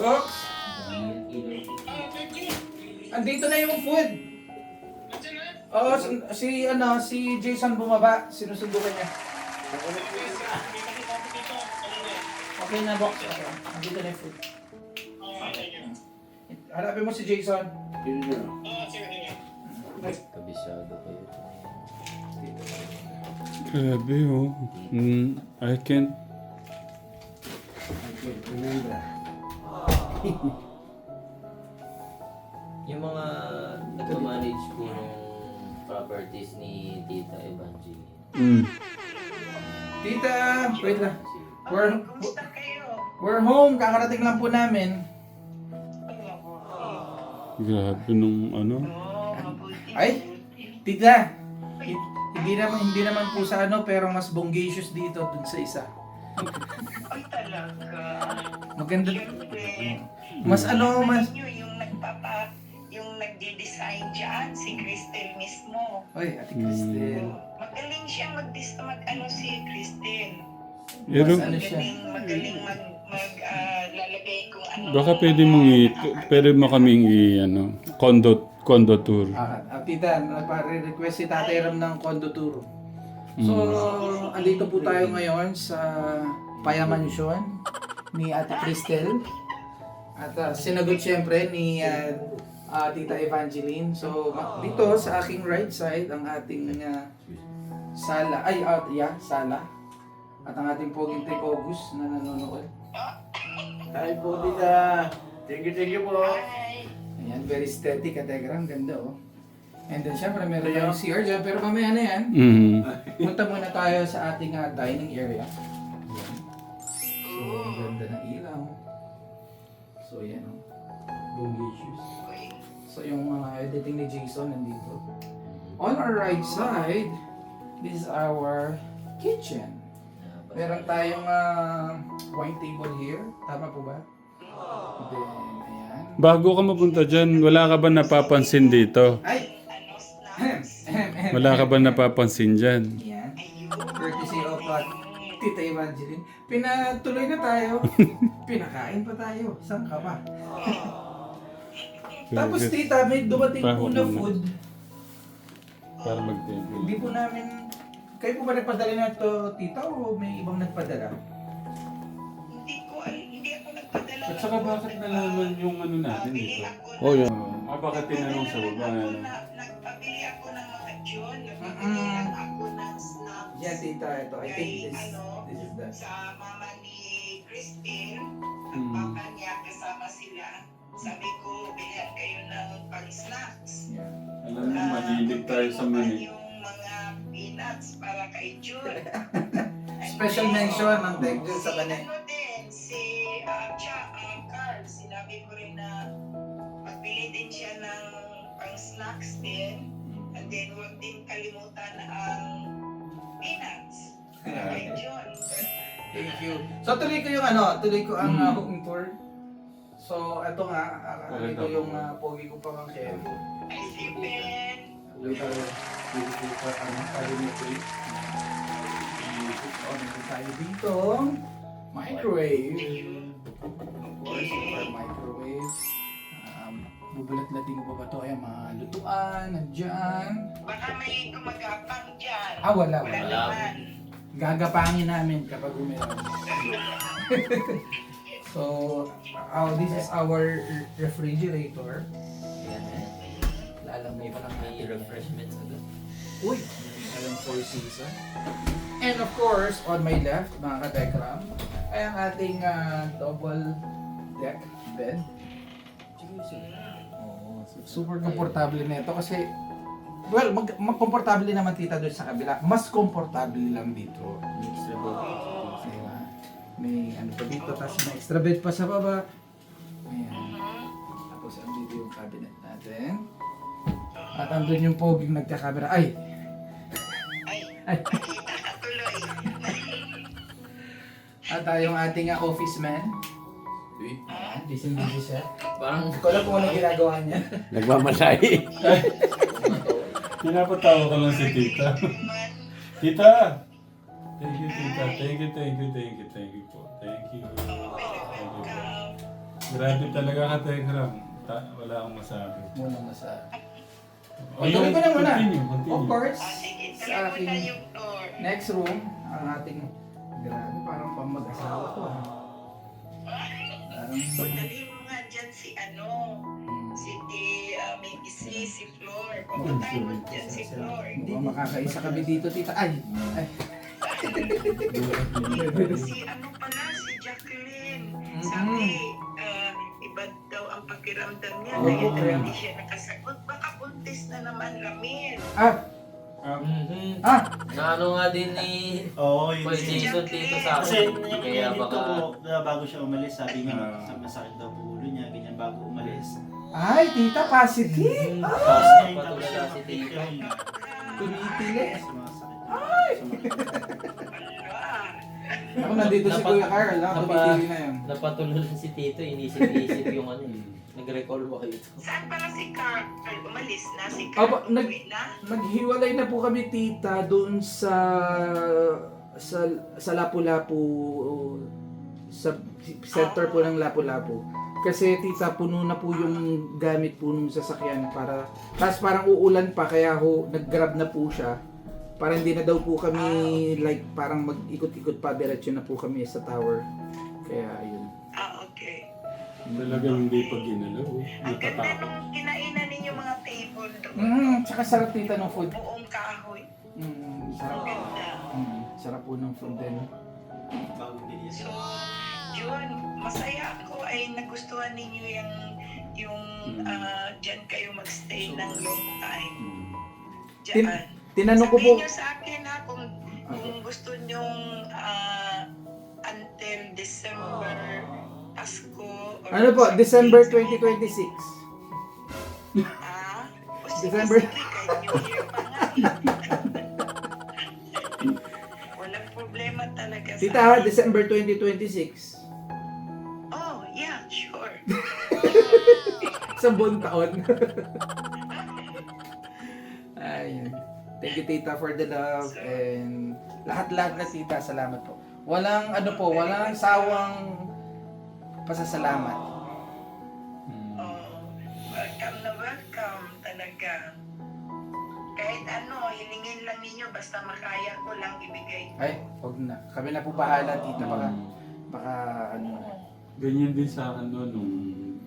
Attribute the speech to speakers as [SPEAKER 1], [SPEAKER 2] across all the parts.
[SPEAKER 1] Sox, andito na yung food. Oo, si Jason bumaba. Sinusundo ka niya. Okay na, box. Okay. Andito na yung food. Hanapin mo si Jason.
[SPEAKER 2] Kabisado kayo.
[SPEAKER 3] Grabe oh. I can't.
[SPEAKER 2] Yung mga nagmamanage po ng properties ni Tita Evangeline.
[SPEAKER 1] Tita, wait lang. We're home. Kakarating lang po namin.
[SPEAKER 3] Grabe nung ano.
[SPEAKER 1] Ay, tita. Hindi naman po sa ano, pero mas bongacious dito dun sa isa.
[SPEAKER 4] Ay talaga.
[SPEAKER 1] Maganda.
[SPEAKER 4] Siyempre.
[SPEAKER 1] Mas ano, mas...
[SPEAKER 4] Yung nagde-design dyan, si Cristel mismo.
[SPEAKER 1] Oy, Ate Cristel.
[SPEAKER 4] Magaling siya mag-ano si Cristel.
[SPEAKER 3] Pero,
[SPEAKER 1] Ano siya?
[SPEAKER 4] Magaling lalagay kung ano.
[SPEAKER 3] baka pwede mo kaming ano, condo tour.
[SPEAKER 1] Tita, nagpa-request si Tatay Ram ng condo tour. So, andito po tayo ngayon sa Paya Mansion ni Ate Cristel. At sinagot siyempre ni Tita Evangeline. So, dito sa aking right side, ang ating sala. Sala. At ang ating poging Tech August na nanonood.
[SPEAKER 5] Hi po, tita. Thank you po.
[SPEAKER 4] Ay,
[SPEAKER 1] Ayan, very aesthetic at ang ganda oh. And then syempre meron tayong CR dyan, pero mamaya na yan. Punta muna tayo sa ating dining area. Ayan. So, ang ganda ng ilaw. So, yan oh. Bongacious. So, yung mga editing ni Jason nandito. On our right side, this is our kitchen. Meron tayong wine table here. Tama po ba? Then, ayan.
[SPEAKER 3] Bago ka mapunta dyan, wala ka ba napapansin dito?
[SPEAKER 1] Ay!
[SPEAKER 3] Wala ka ba napapansin dyan?
[SPEAKER 1] Ayan. Courtesy of Tita Evangeline. Pinatuloy na tayo. Pinakain pa tayo. Saan ka pa? Tapos tita, may dumating po na food.
[SPEAKER 3] Para mag-table.
[SPEAKER 1] Hindi po namin... Kayo po ba nagpadala na ito, tita, o may ibang nagpadala?
[SPEAKER 4] hindi ako nagpadala.
[SPEAKER 3] At saka bakit nalaman yung ano natin dito?
[SPEAKER 4] Oh,
[SPEAKER 3] yun. Bakit tinanong sa baba?
[SPEAKER 4] Nagpabili ako ng mga John. Nagpabili lang ako ng snacks.
[SPEAKER 1] Yeah, tita, ito. I think this is the...
[SPEAKER 4] Sa mama ni Christine, ang papa niya, kasama sila. Sabi ko, bilhan kayo ng pang-snacks.
[SPEAKER 1] Yeah.
[SPEAKER 3] Alam mo, mahilig tayo sa mani.
[SPEAKER 4] Yung mga peanuts para kay Jun.
[SPEAKER 1] Special mention ng Tech Jun sa kanya.
[SPEAKER 4] Ano din, si Carl, sinabi ko rin na magbili din siya ng pang-snacks din. And then, huwag din kalimutan ang peanuts para kay Jun.
[SPEAKER 1] Thank you. So tuloy ko ang hooking tour. So ito nga, ito yung pogi ko pamangkin.
[SPEAKER 4] Ay, si Ben.
[SPEAKER 1] Wait, beautiful for cabinet. So, meron tayo dito. Microwave. Of course, our microwave. Bubulat-lating ko pa ba ito? Ayan, mga lutuan, nandyan.
[SPEAKER 4] Baka may gumagapang dyan.
[SPEAKER 1] Wala.
[SPEAKER 4] naman.
[SPEAKER 1] Gagapangin namin kapag uminom. So, this is our refrigerator. Lalamay pa lang
[SPEAKER 2] May refreshments agad.
[SPEAKER 1] Uy! Alam Four Season. And of course, on my left, mga ka-Dekram, ay ang ating double deck bed. Super komportable na ito kasi, well, magkomportable naman tita doon sa kabila. Mas komportable lang dito.
[SPEAKER 2] May extra bed.
[SPEAKER 1] Diba? May ano pa dito, tapos may extra bed pa sa baba. Ayan. Tapos andito yung cabinet natin. At andun yung poging nagkakamera. Ay!
[SPEAKER 4] Tuloy.
[SPEAKER 1] At yung ating office man. Busy siya.
[SPEAKER 2] Parang
[SPEAKER 1] Hindi ko alam kung anong ginagawa niya.
[SPEAKER 5] Nagmamasahe.
[SPEAKER 3] Pinapatawa ko lang si tita. Tita! Thank you, tita. Thank you po. Thank you. Thank you po. Grabe talaga ka, Tegram. Wala akong masabi.
[SPEAKER 1] Muna masa.
[SPEAKER 3] O,
[SPEAKER 1] Tuloy ko na muna.
[SPEAKER 3] Continue.
[SPEAKER 1] Of course,
[SPEAKER 4] Sige,
[SPEAKER 1] sa
[SPEAKER 4] tuloy mo
[SPEAKER 1] aking
[SPEAKER 4] na yung tour.
[SPEAKER 1] next room, ang ating, grabe, parang pang mag-asawa to. Parang,
[SPEAKER 4] Dali mo nga dyan si si Flor. Pupuntahin mo dyan si Flor.
[SPEAKER 1] hindi makakaisa kami dito, tita. Ay!
[SPEAKER 4] Si si Jacqueline. Sabi, iba daw ang pakiramdam niya.
[SPEAKER 1] Oo,
[SPEAKER 4] Kaya
[SPEAKER 1] kaya-
[SPEAKER 4] hindi siya nakasagot. Baka buntis na naman, Ramil.
[SPEAKER 2] Na ano nga din ni
[SPEAKER 5] Oo, yun
[SPEAKER 2] Boy
[SPEAKER 5] din.
[SPEAKER 2] Jason dito sa
[SPEAKER 5] Kasi
[SPEAKER 2] akin.
[SPEAKER 5] yung
[SPEAKER 2] Kaya
[SPEAKER 5] dito
[SPEAKER 2] baka
[SPEAKER 5] po, bago siya umalis, sabi nga, masakit daw po ulo niya, ganyan bago umalis.
[SPEAKER 1] Ay, tita, positive!
[SPEAKER 5] Tapos ngayon, tapos
[SPEAKER 2] Patulala
[SPEAKER 5] siya
[SPEAKER 2] si
[SPEAKER 5] makikita
[SPEAKER 2] Tito.
[SPEAKER 5] niya.
[SPEAKER 1] Tumitili.
[SPEAKER 5] Sumasakit.
[SPEAKER 1] Ako nandito si Kuya Carl, tumitili na yun.
[SPEAKER 2] napatulala si Tito, inisip-isip yung ano eh. Nag-recall ba kayo ito?
[SPEAKER 4] Saan pala si Carl? Umalis na? Si
[SPEAKER 1] Opo,
[SPEAKER 4] Carl umuwi na?
[SPEAKER 1] Naghiwalay na po kami, tita, doon sa Lapu-Lapu, sa center po ng Lapu-Lapu. Kasi tita, puno na po yung gamit po nung sasakyan para, tapos parang uulan pa, kaya nag-grab na po siya. Para hindi na daw po kami, like, parang mag-ikot-ikot pa, diretso na po kami sa tower. Kaya, ayun.
[SPEAKER 4] Okay.
[SPEAKER 3] Talagang hindi pa ginalaw.
[SPEAKER 4] Ang ganda
[SPEAKER 3] Natatakot.
[SPEAKER 4] nung kinainan ninyo mga table doon.
[SPEAKER 1] Tsaka sarap tita ng food.
[SPEAKER 4] Buong kahoy.
[SPEAKER 1] Sarap.
[SPEAKER 4] Ang ganda.
[SPEAKER 1] Sarap po ng food din.
[SPEAKER 5] Bagong bilis.
[SPEAKER 4] So, yun, masaya ako ay nagustuhan ninyo yung dyan kayo magstay ng long time. Dyan.
[SPEAKER 1] Tinanong ko po,
[SPEAKER 4] Sabihin nyo sa akin ha, kung gusto nyong until December, Pasko, or
[SPEAKER 1] ano po,
[SPEAKER 4] sa
[SPEAKER 1] December
[SPEAKER 4] Christmas,
[SPEAKER 1] 2026.
[SPEAKER 4] O sige,
[SPEAKER 1] December.
[SPEAKER 4] sige, kahit New Year pa nga eh. Walang problema talaga
[SPEAKER 1] Tita,
[SPEAKER 4] sa akin.
[SPEAKER 1] December 2026.
[SPEAKER 4] Oh, yeah, sure.
[SPEAKER 1] Sa buong taon. Ayun. Thank you, tita, for the love and lahat-lahat na, tita. Salamat po. Walang walang sawang pasasalamat.
[SPEAKER 4] Oh, welcome na welcome talaga. Kahit hilingin lang ninyo, basta makaya ko lang ibigay.
[SPEAKER 1] Ay, wag na. Kami na po bahala, tita. Baka
[SPEAKER 3] Ganyan din sa akin doon nung...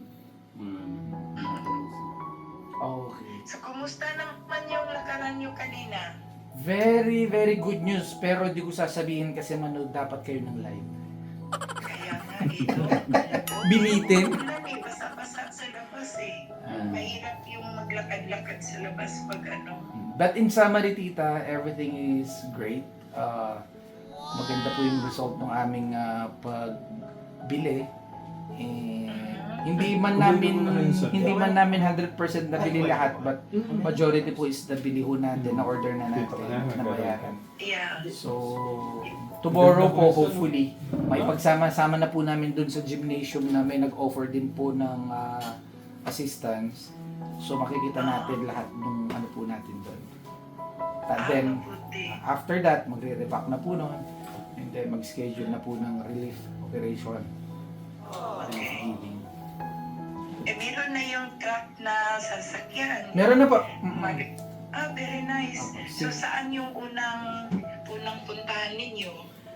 [SPEAKER 1] Okay.
[SPEAKER 4] So, kumusta naman yung lakaran nyo kanina?
[SPEAKER 1] Very, very good news. Pero di ko sasabihin kasi manood dapat kayo ng live.
[SPEAKER 4] Kaya nga, ito.
[SPEAKER 1] Binitin.
[SPEAKER 4] Ulan eh, basa-basa sa labas eh. Mahirap yung maglakad-lakad sa labas pag
[SPEAKER 1] But in summary, tita, everything is great. Maganda po yung result ng aming pagbili. Hindi man namin 100% nabili lahat, but majority po is nabili ho natin, na order na natin, na bayaran.
[SPEAKER 4] Yeah.
[SPEAKER 1] So, tomorrow po, hopefully, may pagsama-sama na po namin dun sa gymnasium na may nag-offer din po ng assistance. So, makikita natin lahat ng po natin dun. And then,
[SPEAKER 4] Mabuti.
[SPEAKER 1] after that, magre-repack na po nun. And then, mag-schedule na po ng relief operation. Thanksgiving.
[SPEAKER 4] Meron na yung truck na sasakyan.
[SPEAKER 1] Meron na po.
[SPEAKER 4] Very nice. So, saan yung unang puntahan ninyo?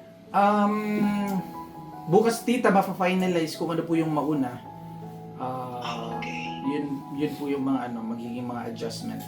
[SPEAKER 1] Bukas, tita, mafa-finalize kung ano po yung mauna.
[SPEAKER 4] Okay.
[SPEAKER 1] Yun po yung mga magiging mga adjustment.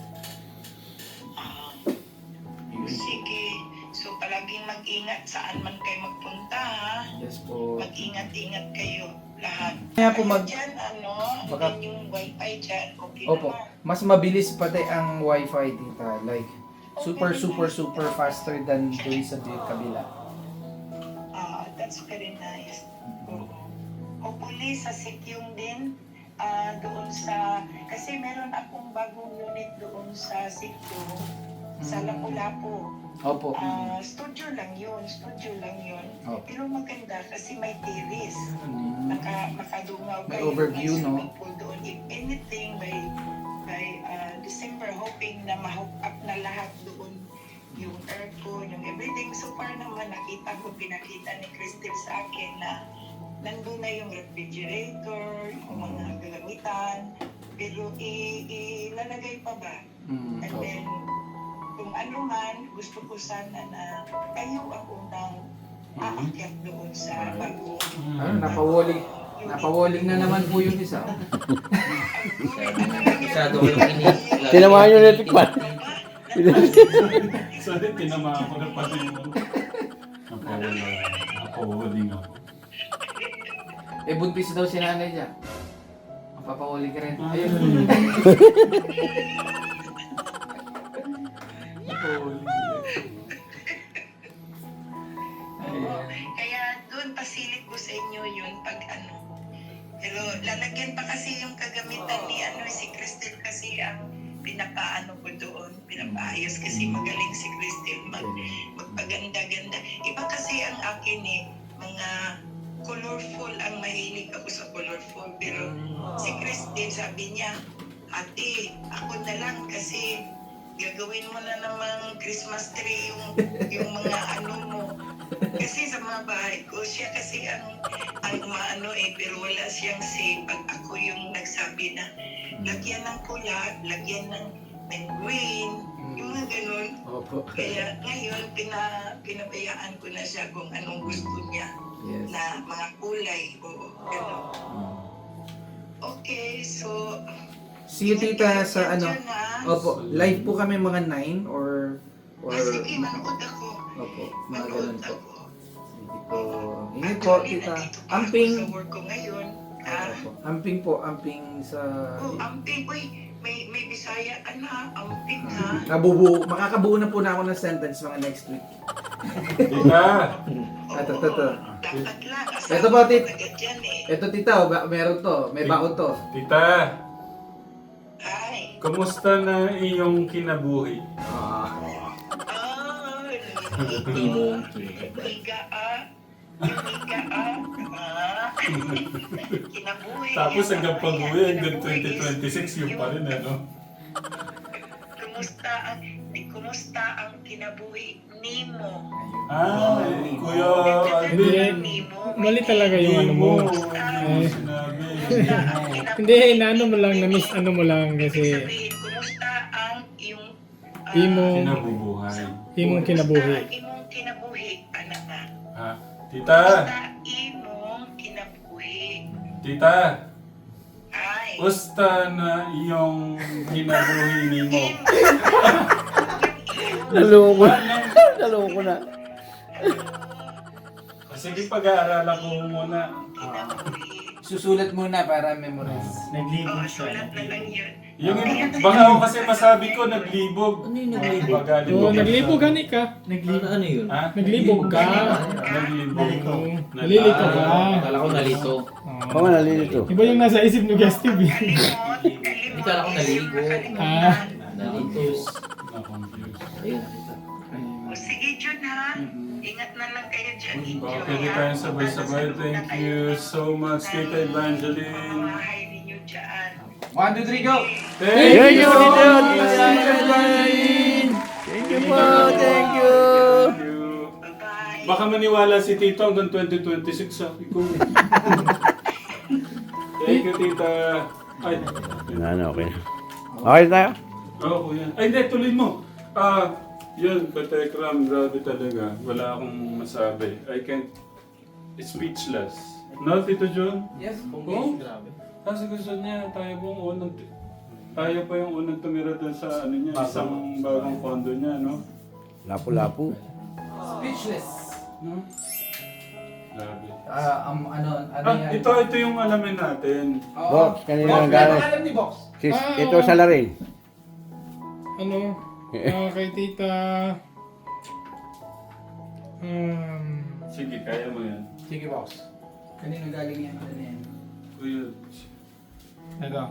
[SPEAKER 1] Yun.
[SPEAKER 4] Sige. So, palaging mag-ingat saan man kayo magpunta, ha?
[SPEAKER 1] Yes po.
[SPEAKER 4] Mag-ingat-ingat kayo lahat.
[SPEAKER 1] Kaya po
[SPEAKER 4] Dyan,
[SPEAKER 1] Baka-
[SPEAKER 4] and yung wifi dyan, okay
[SPEAKER 1] Opo.
[SPEAKER 4] naman.
[SPEAKER 1] Mas mabilis pati ang wifi, tita. Like, super faster than doon sa kabila.
[SPEAKER 4] That's very nice. Oo. Hopefully, sa Sikyong din, doon kasi meron akong bagong unit doon sa Sikyong, sa Lapu-Lapu.
[SPEAKER 1] Opo.
[SPEAKER 4] Studio lang yun.
[SPEAKER 1] Opo.
[SPEAKER 4] Pero maganda kasi may terrace. Makadungaw
[SPEAKER 1] May
[SPEAKER 4] kayo,
[SPEAKER 1] overview, no?
[SPEAKER 4] swimming pool doon. If anything, by December, hoping na ma-hook up na lahat doon. Yung aircon, yung everything. So far naman, pinakita ni Crystal sa akin na nandun na yung refrigerator, yung mga kagamitan, pero ilalagay pa ba? And then, kung ano man, gusto ko sana na kayo ang unang aakyat doon sa bagong
[SPEAKER 1] Ano, napawaling na naman po yung isa.
[SPEAKER 2] Masyado ko yung ini.
[SPEAKER 6] Tinamaan yung electric fan.
[SPEAKER 3] Sorry, tinamaan ko na pati yung napawaling ako.
[SPEAKER 1] Eh, buntis daw si nanay niya. Mapapawali ka rin. Ayun.
[SPEAKER 4] Kaya doon pasilip ko sa inyo yun pag ano. Pero lalagyan pa kasi yung kagamitan ni si Cristel kasi ang pinapaano ko doon, pinapaayos kasi magaling si Cristel magpaganda-ganda. Iba kasi ang akin mga colorful, ang mahilig ako sa colorful. Pero si Cristel sabi niya, ate, ako na lang kasi gagawin mo na namang Christmas tree yung mga ano mo. Kasi sa mga bahay ko, siya kasi ang maano pero wala siyang say pag ako yung nagsabi na lagyan ng pula, lagyan ng green, yung mga ganun.
[SPEAKER 1] Opo.
[SPEAKER 4] Kaya ngayon, pinabayaan ko na siya kung anong gusto niya
[SPEAKER 1] Yes.
[SPEAKER 4] na mga kulay. Oo, ganun. Okay, so
[SPEAKER 1] See you, tita, sa ano.
[SPEAKER 4] Diyan na.
[SPEAKER 1] Opo, live po kami mga 9 or...
[SPEAKER 4] Sige, manood ako.
[SPEAKER 1] Opo, mga
[SPEAKER 4] Manood
[SPEAKER 1] ganun po.
[SPEAKER 4] ako.
[SPEAKER 1] Sige po. Ingat po,
[SPEAKER 4] Actually,
[SPEAKER 1] tita.
[SPEAKER 4] nandito pa ako
[SPEAKER 1] Amping.
[SPEAKER 4] sa work ko ngayon.
[SPEAKER 1] Opo. Amping po, amping sa...
[SPEAKER 4] Amping, uy, may Bisaya ka na, amping ha.
[SPEAKER 1] Makakabuo na po na ako ng sentence mga next week.
[SPEAKER 3] Tita!
[SPEAKER 1] Ito.
[SPEAKER 4] Dapat lang,
[SPEAKER 1] Ito po, tit.
[SPEAKER 4] agad yan
[SPEAKER 1] Ito, tita, meron to. May baon to.
[SPEAKER 3] Tita!
[SPEAKER 4] Ay,
[SPEAKER 3] Kumusta na iyong kinabuhi?
[SPEAKER 2] Imo.
[SPEAKER 4] Higa kinabuhi.
[SPEAKER 3] Tapos hanggang pag-uwi, hanggang
[SPEAKER 4] Kinabuhi
[SPEAKER 3] 2026 yung pa rin, ano?
[SPEAKER 4] Kumusta ang kinabuhi nimo?
[SPEAKER 3] Kuya,
[SPEAKER 7] Hindi. Mali talaga yung ano mo.
[SPEAKER 3] Ano sinabi?
[SPEAKER 7] Hindi, inaano mo lang, na-miss ano mo lang kasi
[SPEAKER 4] Kumusta ang iyong
[SPEAKER 7] imong
[SPEAKER 3] Kinabubuhay.
[SPEAKER 7] kinabuhi.
[SPEAKER 4] imong kinabuhi, anak na?
[SPEAKER 3] Ha? Tita!
[SPEAKER 4] Kumusta imong kinabuhi?
[SPEAKER 3] Tita!
[SPEAKER 4] Ay.
[SPEAKER 3] Kumusta na iyong kinabuhi nimo?
[SPEAKER 6] Naloko na.
[SPEAKER 3] Sige, pag-aaralan ko muna.
[SPEAKER 1] Susulat muna para memorize.
[SPEAKER 5] Naglibog siya.
[SPEAKER 4] Sulat na lang yun.
[SPEAKER 3] Yung baka ako kasi masabi ko naglibog.
[SPEAKER 2] Ano yung naglibog?
[SPEAKER 7] Oo, naglibog ka ni ka.
[SPEAKER 2] Ano yun?
[SPEAKER 3] Ha?
[SPEAKER 7] Naglibog ka.
[SPEAKER 3] Naglibog.
[SPEAKER 7] Nalilito ka.
[SPEAKER 2] Akala ko nalito.
[SPEAKER 6] Oo, nalilito.
[SPEAKER 7] Iba yung nasa isip ni Guest TV.
[SPEAKER 2] Hindi ka ako naligo.
[SPEAKER 7] Ah.
[SPEAKER 2] Nalito.
[SPEAKER 3] Na-confused.
[SPEAKER 2] Ayun.
[SPEAKER 4] Sige, Jun ha. Ingat na lang kayo dyan. Enjoy.
[SPEAKER 3] Okay, di tayo sabay-sabay. Thank you so much, Tita Evangeline.
[SPEAKER 4] Bahay ninyo dyan.
[SPEAKER 1] 1, 2, 3, go!
[SPEAKER 6] Thank you, Tita Evangeline. Thank you po, thank you.
[SPEAKER 3] Thank you.
[SPEAKER 4] Bye-bye.
[SPEAKER 3] Baka maniwala si Tito hanggang 2026 sa ikaw. Thank you, Tita. Ay,
[SPEAKER 6] Okay. Okay tayo?
[SPEAKER 3] oo yan. Ay, hindi, tuloy mo. Yun, Katekram, grabe talaga. Wala akong masabi. I can't, speechless. No, Tito John?
[SPEAKER 1] Yes.
[SPEAKER 3] Oo.
[SPEAKER 2] Grabe.
[SPEAKER 3] Kasi gusto niya, tayo pa yung unang tumira doon sa ano niya, isang bagong condo niya, no?
[SPEAKER 6] Lapu-lapu.
[SPEAKER 1] Speechless.
[SPEAKER 3] No? Grabe.
[SPEAKER 1] Ano yan?
[SPEAKER 3] Ito yung alamin natin.
[SPEAKER 1] Oo.
[SPEAKER 6] Box, kanina
[SPEAKER 1] Box,
[SPEAKER 6] ang
[SPEAKER 1] may
[SPEAKER 6] galing.
[SPEAKER 1] pangalan ni Box.
[SPEAKER 6] Ito sa larin.
[SPEAKER 7] Ano? Kay tita...
[SPEAKER 3] Sige, kaya mo yan.
[SPEAKER 1] Sige, Box. Kanino galing yan? Ano yan?
[SPEAKER 3] Kuya,
[SPEAKER 7] Ito.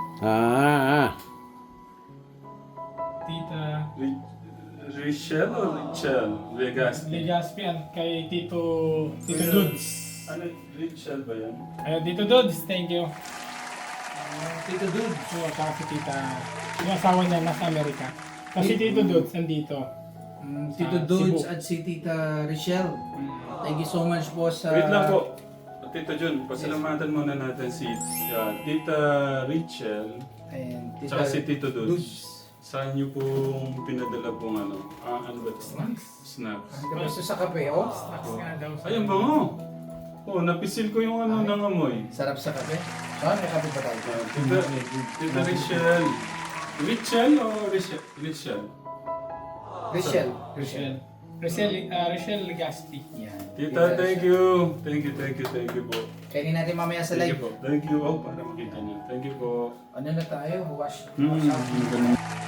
[SPEAKER 7] Tita...
[SPEAKER 3] Richel o Richel? Vegas.
[SPEAKER 7] Legaspi at kay Tito Dudes.
[SPEAKER 3] Ano, Richel ba yan?
[SPEAKER 7] Ayun, Tito Dudes, thank you.
[SPEAKER 1] Tito Dude.
[SPEAKER 7] Oo, saka si tita... Yung asawa niya nasa Amerika. Kasi Tito Dudes nandito.
[SPEAKER 1] Tito
[SPEAKER 7] Sa
[SPEAKER 1] Dudes
[SPEAKER 7] Cebu.
[SPEAKER 1] at si Tita Richelle. Thank you so much po sa...
[SPEAKER 3] Wait lang po. Tito Jun, pasalamatan muna natin si Tita Rachel
[SPEAKER 1] And
[SPEAKER 3] tsaka si Tito Dudes.
[SPEAKER 1] Dudes.
[SPEAKER 3] Saan niyo pong pinadala pong ano ba ito? Snacks.
[SPEAKER 1] Ang gusto sa kape, oh.
[SPEAKER 7] Snacks nga daw.
[SPEAKER 3] Ay, ang bango! Oh, napisil ko yung ng amoy.
[SPEAKER 1] Sarap sa kape. Ah, may kape ba tayo?
[SPEAKER 3] Tita Rachel. Rachel o Rachel? Rachel.
[SPEAKER 1] Rachel.
[SPEAKER 7] Rachel Legasti.
[SPEAKER 1] Yan.
[SPEAKER 3] Tita, thank you. Thank you po.
[SPEAKER 1] Kainin natin mamaya sa
[SPEAKER 3] Thank
[SPEAKER 1] live.
[SPEAKER 3] you po. Thank you. Oh, para makita niyo. Thank you po.
[SPEAKER 1] Ano na tayo? Wash.
[SPEAKER 3] Mm,